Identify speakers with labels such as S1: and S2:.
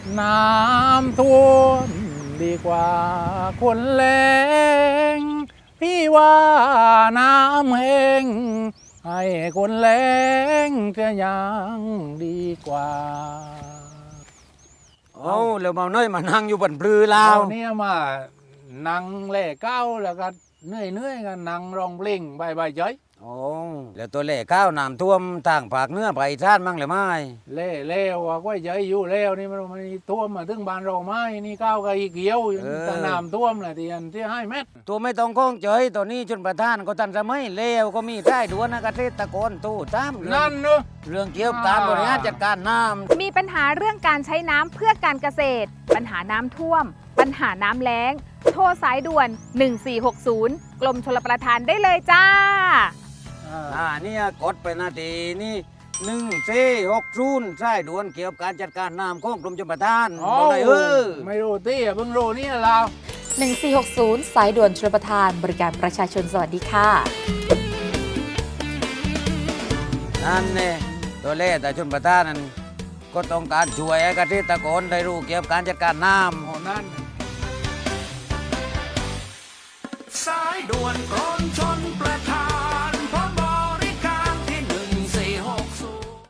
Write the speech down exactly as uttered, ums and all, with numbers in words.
S1: น้ำท่วมดีกว่าคนแรงพี่ว่าน้ำแห้งให้คนแรงจะยังดีกว่า
S2: เอาแล้วมาเนยมานั่งอยู่บนปลือลา
S1: เอา
S2: ว
S1: เนี่ยมานั่งเล่เก้าแล้วก็เหนื่อยเนื่อยๆกันนั่งร้องเพลงใบใบเฉย
S2: โอ้แล้วตัวเล่ข้าวน้ำท่วมทางภาคเหนือไปท่านมั่งหรือไม่
S1: เล่เล่ว่าก็เฉยอยู่แล้วนี่มันมันท่วมมาถึงบ้านเราไหมนี่ก้าวก็อีกเกี่ยวแต่น้ำท่วมแหละที่อันที่ให้เม็ด
S2: ตัวไม่ต้องคล้องเจยตัวนี้ชนประธานก็ทันสมัยเลวก็มีได้ดวนนะเกษตรกรตู้ตามเรื่อง
S1: นั่นเนอะ
S2: เรื่องเกี่ยวกับการบริหารจัดการน้ำ
S3: มีปัญหาเรื่องการใช้น้ำเพื่อการเกษตร ปัญหาน้ำท่วม ปัญหาน้ำแล้ง โทรสายด่วน หนึ่งสี่หกศูนย์ กรมชลประทานได้เลยจ้า
S2: อ่าเนี่ยกดไปนาทีนี่หนึ่งสี่หกศูนย์ใช่ด่วนเกี่ยวกับการจัดการน้ำของกรมชลประทาน
S1: อ๋อ
S2: บอกเลยเออ
S1: ไม่รู้ที่อ่ะเพิ่งรู้นี่เรา
S4: หนึ่งสี่หกศูนย์ สายด่วนชลประทานบริการประชาชนสวัสดีค่ะ
S2: นั่นเนี่ยตัวเล่แต่ชนประทานนั้นก็ต้องการช่วยให้เกษตรกรได้รู้เกี่ยวกับการจัดการน้ำ
S1: อ๋อนั่น
S5: สายด่วนกรมชนประ